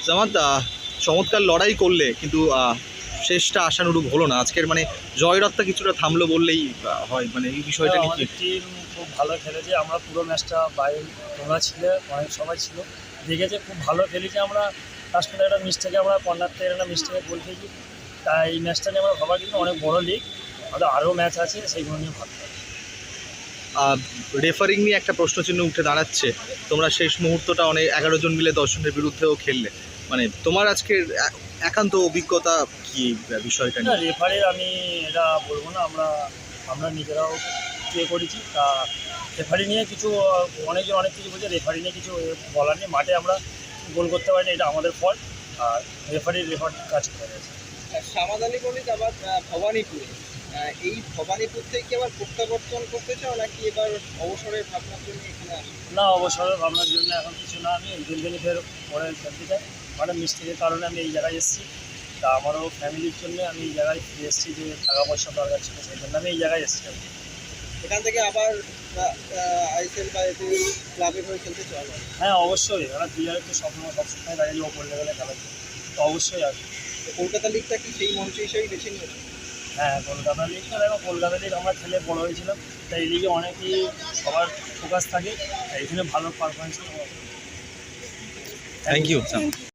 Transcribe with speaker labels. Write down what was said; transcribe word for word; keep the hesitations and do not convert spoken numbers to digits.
Speaker 1: জামাত, চমৎকার লড়াই করলে কিন্তু শেষটা আশানুরূপ হলো না আজকের, মানে জয়রথটা কিছুটা থামলো বললেই হয়। মানে এই বিষয়টা নিয়ে
Speaker 2: আমাদের টিম খুব ভালো খেলেছে, আমরা পুরো ম্যাচটা বাইরে তোমরা ছিল, অনেক সবাই ছিল, দেখেছে খুব ভালো খেলেছি আমরা। লাস্ট পর্যন্ত একটা মিস্টেকে আমরা কর্নার থেকে একটা মিস্টেকে গোল খেয়েছি। তাই এই ম্যাচটা নিয়ে আমরা ভাবা কিন্তু অনেক বড় লিগ, আমাদের আরও ম্যাচ আছে, সেইগুলো নিয়ে ভাবতে হবে।
Speaker 1: রেফারিং নিয়ে একটা প্রশ্নচিহ্ন উঠে দাঁড়াচ্ছে। তোমরা শেষ মুহূর্তটা অনেক এগারো জন মিলে দশ জনের বিরুদ্ধেও খেললে, মানে তোমার আজকের একান্ত অভিজ্ঞতা কি বিষয়টা
Speaker 2: না,
Speaker 1: নিয়ে?
Speaker 2: রেফারির আমি এটা বলবো না, আমরা আমরা নিজেরাও প্লে করেছি। তা রেফারি নিয়ে কিছু অনেকজন অনেক কিছু বলছে, রেফারি নিয়ে কিছু বলার নেই। মাঠে আমরা গোল করতে পারিনি, এটা আমাদের ফল্ট, আর রেফারির রেফারি কাজ করে গেছে।
Speaker 3: সামাদ আলী মল্লিক আবার ভবানীপুরে, এই ভবানীপুর থেকে আবার প্রত্যাবর্তন করতে চাও নাকি এবার অবসরের ভাবনার জন্য এখানে আসে?
Speaker 2: না, অবসরের ভাবনার জন্য এখন কিছু না, আমি দিনদিনই ফের পরে খেলতে চাই। মানে মিস্টেকের কারণে আমি এই জায়গায় এসেছি, তা আমারও ফ্যামিলির জন্য আমি এই জায়গায় ফিরে এসেছি, যে টাকা পয়সা দরকার ছিল, সেই জন্য আমি এই জায়গায় এসেছি।
Speaker 3: এখান থেকে আবার আইএসএল বা এতে ক্লাবের হয়ে খেলতে চাও?
Speaker 2: হ্যাঁ, অবশ্যই, ওরা প্লেয়ারের তো স্বপ্ন সবসময় থাকে যে ওপর লেভেলে খেলার জন্য, তো অবশ্যই আসবে।
Speaker 3: কলকাতা লিগটা কি সেই মঞ্চ হিসেবেই বেছে নিয়েছে?
Speaker 2: হ্যাঁ, কলকাতা লিগটা দেখো, কলকাতা লিগ আমরা খেলে বড় হয়েছিলাম, তাই এই লিগে অনেকই সবার ফোকাস থাকে, তাই এখানে ভালো পারফরমেন্স।
Speaker 1: Thank you.